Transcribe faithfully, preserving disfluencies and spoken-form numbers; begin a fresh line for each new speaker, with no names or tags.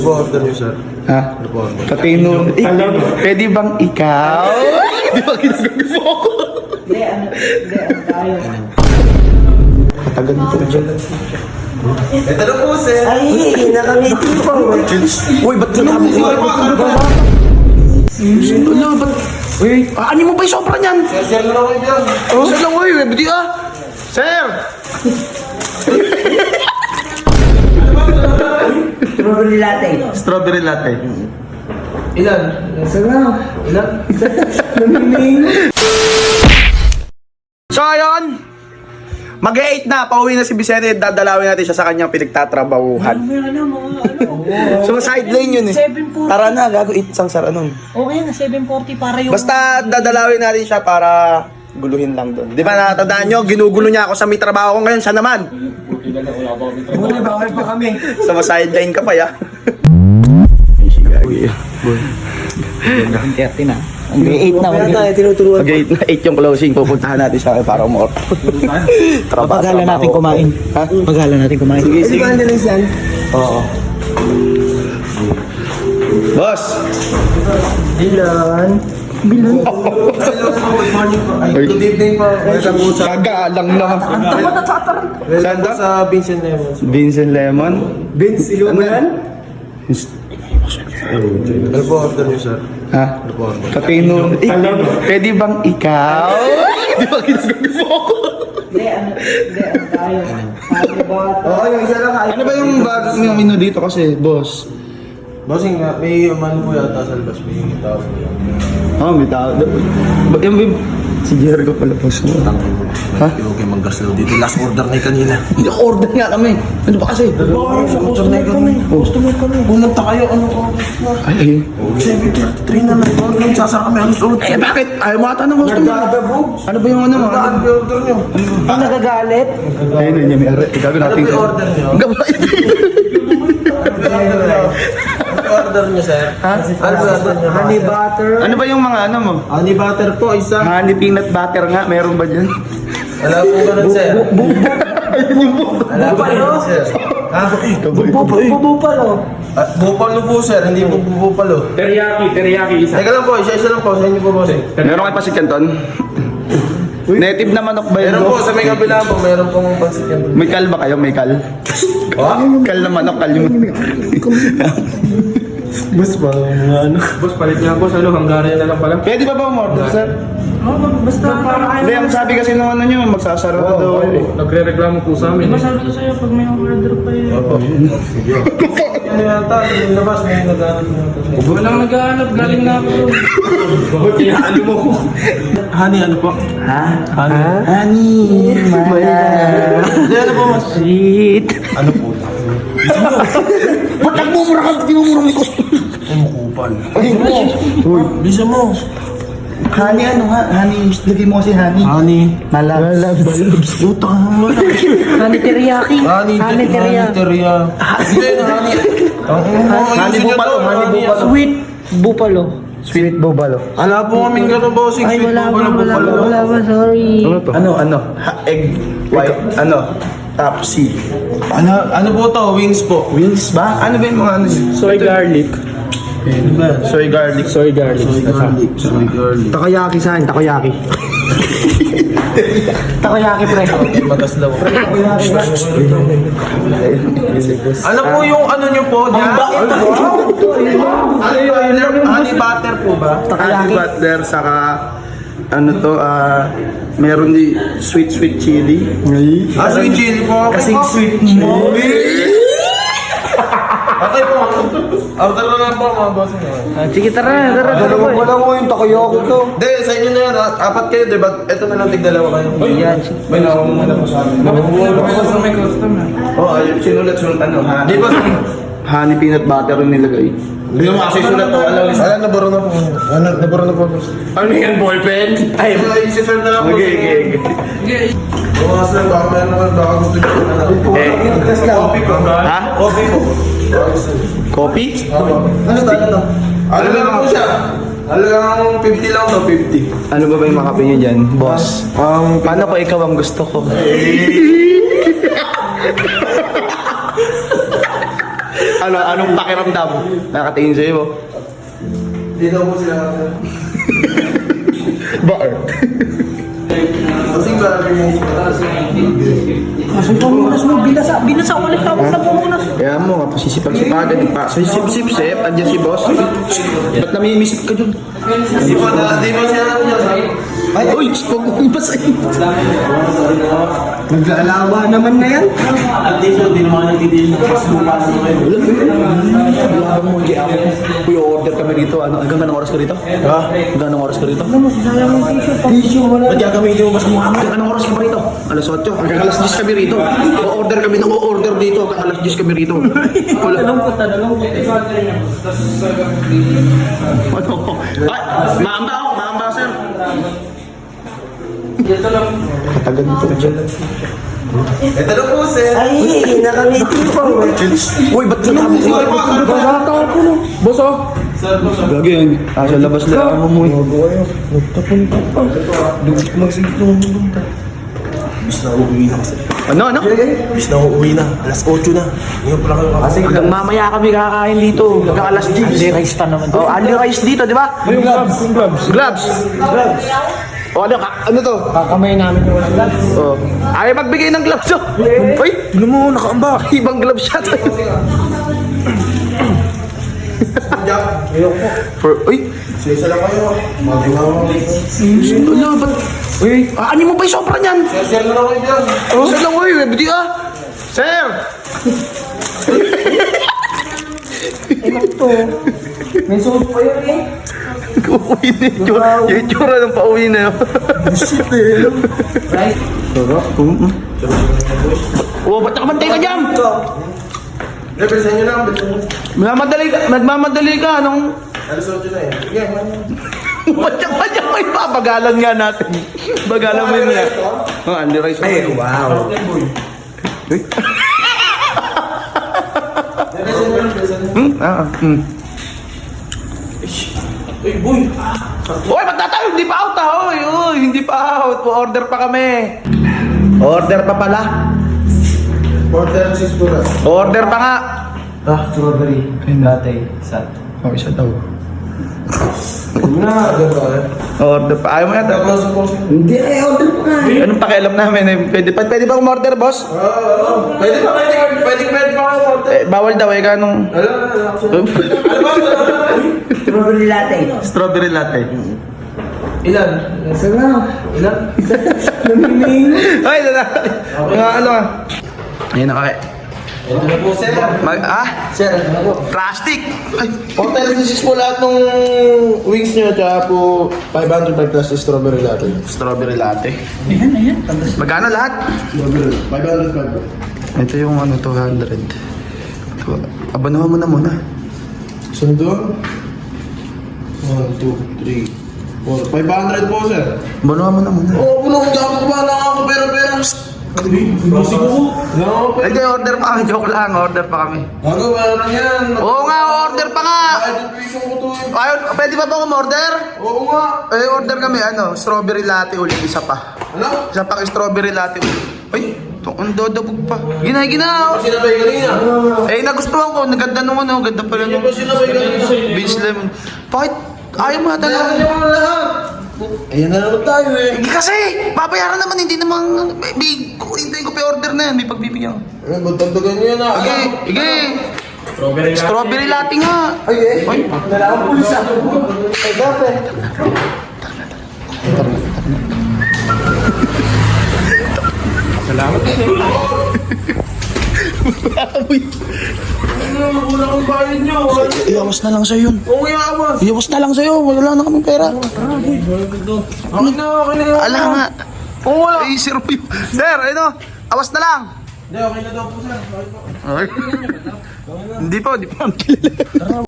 Order niyo, sir.
Ha?
Ano po order?
Patino. Eh, pwede bang ikaw? Di ba ginagawa mo ako?
Hindi, ano, hindi, ano tayo.
Katagal nito.
Ito na po, sir.
Ay, nakangiti po.
Uy, ba't ka namin? Ano, ba't? Uy, aanin mo ba yung sobra niyan?
Sir, sir na lang yan.
Oh, sir lang, uy, buti ah. Sir!
Strawberry latte.
Strawberry latte.
Ilan?
Sarap.
Ilan?
So, ayun. mag-eight na, pauwi na si Vicente. Dadalawin natin siya sa kanyang pinagtatrabahuhan.
Ano, mga ano.
So, side lane yun eh.
seven forty.
Tara na, gago, eight sang sara nun.
Okay na, seven forty para yung...
Basta dadalawin natin siya para guluhin lang doon. Di ba natatandaan nyo, ginugulo niya ako sa may trabaho ko ngayon. Siya naman.
Buti bawal pa kami.
Sa so, sideline ka pa ya. Uy,
thirty na. eight na.
Pag eight na, eight yung closing, pupuntahan natin siya para umor.
Paghala natin kumain.
Ha?
Paghala natin kumain.
Sige, sige.
Ano ba yan?
Oo. Boss!
Bilan.
Hello po, good morning po. Ay, good evening po. Welcome po sa...
Kagaalang na.
Welcome po sa Vincent Lemons.
Vincent Lemon.
Vince, ilo mo yan? Ano po order niyo, sir?
Ha?
Ano po order?
Patino. Eh, pwede bang ikaw? Di ba ginagawa mo ako?
Hindi, ano, hindi, ano tayo. Ano ba?
Oo, yung isa lang.
Ano ba yung bago yung menu dito kasi, boss?
Bossing, may umano po yata sa labas. May tao po yan.
Oh, may tao. Ba't yung may... Si Jericho pala, boss mo. Ha?
Hindi kayo mag-gaslaw dito. Last order na yung kanina.
Hindi, order nga kami. Ano ba kasi?
Oo, sa customer kami. Customer kami. Pumunta kayo, anong oras na?
Ay, ay.
seven thirty-three na lang. Huwag lang sasara kami. Alas ulit.
Eh, bakit? Ayaw mo ata ng customer. Ano ba yung ano mo?
Saan yung order niyo?
Ang nagagalit?
Ayun, yun, may ari. Ikaw
Ano
natin.
po yung order niyo?
Gabay.
Ano order niyo, sir?
Ha?
Ano order niyo?
Honey butter.
Ano ba yung mga ano mo?
Honey butter po, isa.
Honey peanut butter nga, meron ba dyan?
Wala po ganun, sir. Wala po ganun, sir. Ha?
Bubupalo.
At bupalo po, sir. Hindi po bupalo.
Teriyaki, teriyaki isa.
Teka lang po, isa-isa lang po. Sa inyo po, boss.
Meron kayo pasit canton? Native na manok ba yun?
Meron po, sa may kabila po. Meron pong pansit yan.
May kal ba kayo? May kal?
Ha?
Kal na manok, kal yung...
Boss ba? Mga ano?
Boss, palit niya boss. Ano, Hungarian na lang pala.
Pwede ba ba umorder, sir?
Oh, basta para
Hindi, ang sabi kasi nung ano nyo, magsasara na daw. eh.
Nagre-reklamo po sa amin.
Diba sabi ko sa'yo, pag may order pa yun.
Opo. Sige. Ano yata? Yung labas, may nag-aaral na yata.
Walang naghahanap, galing na ako. Ba't ano mo?
Honey, ano po?
Ha?
Honey.
Honey,
Hindi, ano po, mas?
Sweet.
Ano po?
ba't nagmumura ka? Tinumura may customer.
Kumukupal.
Ay,
Uy, bisa mo.
honey ano nga? Honey, lagay mo kasi honey.
Honey.
Malabs. Malabs.
Utang mo na.
Honey teriyaki.
Honey,
Honey teriyaki.
teria. Hindi, honey.
Honey bupalo, honey bupalo.
Sweet bupalo.
Sweet bubalo.
Wala po kaming gano'n, bossing.
Ay,
Sweet
wala
po
ba, wala ba, wala ba, sorry.
Ano to? Ano, ano? Ha, egg, white, ano? Top C.
Ano, ano po to? Wings po.
Wings ba? Ano ba yung mga ano?
Soy garlic.
Ano ba?
Soy garlic.
Soy garlic.
Soy garlic. Soy garlic.
Takoyaki saan? Takoyaki. Takoyaki, pre.
Matas daw. Ano po yung ano nyo po? Diyan? Honey butter, honey butter po ba?
Honey butter, saka ano to, ah, meron di sweet sweet chili.
Ah, sweet chili po. Okay
Kasing
po.
sweet mo.
Okay po. Order na lang po mga boss.
Sige, tara, tara, tara.
Wala mo yung takoyaki to.
Hindi, sa inyo na yan. ah. Apat kayo, di ba? Ito na lang, tigdalawa kayo.
Yan.
May nakuha na po sa amin.
Boss, may customer.
Oh, ayun, sinulat sulat ano, ha?
Di ba?
Honey peanut butter yung nilagay. Hindi mo kasi sulat to, alam list.
Wala, nabaro na po. Wala, nabaro na po.
Ano yan, ballpen?
Ay, isi-serve na lang po.
Okay, okay, okay.
Bukas lang, baka meron naman, baka gusto nyo na lang.
Eh,
Coffee po.
ha?
Coffee po.
Coffee?
Ano tayo to? Ano lang po siya? Ano lang, fifty lang to, fifty.
Ano ba ba yung makape niyo dyan, boss?
Um,
Paano ko ikaw ang gusto ko? Ano, anong pakiramdam? Nakatingin sa'yo mo?
Hindi daw po sila.
Bakit?
Kasing marami niya yung
Kaso pamunas mo, binasa, binasa ulit ako sa pamunas.
Kaya mo, pasisipag-sipagan pa. Sa sip-sip-sip, andyan si boss. Ba't namimisip ka dyan?
Di ba na, di ba siya natin yan?
Ay, uy, huwag mo ipasayin.
Nag-aalawa naman na yan.
At least, hindi naman nagtitigil ng mas bukas mo kayo.
Wala mo, hindi ako. Uy, order kami dito. Ano, hanggang anong oras ka rito? Ha? Hanggang anong oras ka rito?
Ano mo, sinayang ng tissue. Tissue, wala.
Ba't gagamitin mo mas mukha mo? Hanggang anong oras ka pa rito? alas eight. Hanggang alas ten kami rito. O-order kami ng o-order dito. Hanggang alas ten kami rito. Wala.
Tanong ko, tanong ko.
Ano? Ay, maamba ako. Maamba, sir. Katagal nito dyan.
Ito na po, sir.
Ay, nakangiti pa.
Uy, ba't ka namin?
Basata ako no. Boso.
Lagi yan. Ah, sa labas lang ako mo.
Nagtapunta pa. Dugit magsigito mo punta.
Bis na uuwi na kasi.
Ano, ano?
Bis na uuwi na. alas eight na. Ngayon pala kayo kasi.
Hanggang mamaya kami kakain dito. Hanggang alas ten.
Only rice pa naman.
Oh, only rice dito, di ba?
Yung gloves. Yung gloves.
Gloves. Gloves. O ano, ka- ano to?
Kakamay namin yung walang gloves.
Oh. Ayaw magbigay ng gloves, oh. Uy, ano mo, nakaamba. Ibang gloves siya tayo. For, uy,
Isa lang kayo. Magawa mo.
ano, ba't? Uy, ah, ano mo ba yung sobra niyan?
Sir na lang kayo dyan.
Oh, sir lang, uy, hindi ah. Sir!
Eh, to. May sauce pa yun eh.
Uuwi na yung tsura. Yung tsura ng pauwi na yun.
Right?
Sarap. Oh, ba't nakabantay ka dyan?
Represent nyo na. bilisan nyo.
Nagmamadali ka, nagmamadali ka, anong...
alas eight na eh. Sige, man.
Matyak-matyak may papagalan nga natin. Bagalan mo yun nga. Oh, Andy Rice. Ay, wow. Uy.
Represent nyo, represent nyo.
Hmm? Ah, hmm.
Uy, boy.
Uy, ba't na tayo? Hindi pa out ah. Uy, uy, hindi pa out. Order pa kami. Order pa pala.
Order six buras.
Order pa nga.
Ah, strawberry. Latte. Isa.
Oh, isa daw.
Na, agad ba kayo?
Order pa. Ayaw mo yata.
Tapos po.
Hindi, eh, order pa nga.
Anong pakialam namin? Eh, Pwede pa, pwede ba umorder, boss?
Oo, oo. Pwede pa, pwede pa. Pwede pwede pa kayo order.
Eh, bawal daw eh, kanong...
Alam, alam. Ano ba?
Strawberry latte.
Strawberry latte.
Ilan?
Isa na.
Ilan?
Namiming.
Ay, lala. Mga ano ah. Ayun na kaya.
Ito na po, sir.
Mag, ah?
Sir, ano na po?
Plastic! Ay,
Order six po lahat ng wings nyo, tsaka po five hundred plus strawberry latte.
strawberry latte.
Ayan, ayan.
Magkano lahat?
Strawberry. five hundred five.
Ito yung ano, two hundred. Abanuhan mo na muna.
Saan doon? one, two, three, four. five hundred po, sir.
Abanuhan mo na muna.
Oo, puno ko dyan. Kumahan na ako pera-pera. Hindi ko. No,
Hindi, order pa kami. Joke lang, order pa kami.
Gago, meron yan.
Oo nga, order pa nga!
Kahit yung piso ko to eh.
Ayaw, pwede ba ba umorder?
Oo nga.
Eh, order kami, ano, strawberry latte ulit, isa pa.
Ano?
Isa pang strawberry latte ulit. Ay, ito, ang dodabog pa. Gina, gina!
Ano sinabay kanina?
Eh, nagustuhan ko, naganda nung ano, ganda pala
Ano
nung
ba sinabay kanina?
beach lemon. Bakit? Ayaw mo ata
Kailangan
lang.
niyo mga lahat. Ayan na naman tayo eh.
Hindi kasi, babayaran naman, hindi naman, may, may, hintayin ko pa order na yan, may pagbibigyan ko.
Eh, ba't tagdagan niyo yan ah?
Sige, sige. Strawberry latte nga.
Ay, eh.
Ay.
Kailangan pulsa. Ay, dati. Ano, wala akong bayad niyo.
Iyawas na lang sa'yo yun.
Oo, yawas.
Iyawas na lang sa'yo, wala na kaming pera.
Akin na, akin na.
Ala nga.
Oo, wala.
Ay, zero yun. Sir, ano, awas na lang.
Hindi, okay na daw po, sir. Okay po.
Ay. Hindi po, hindi po.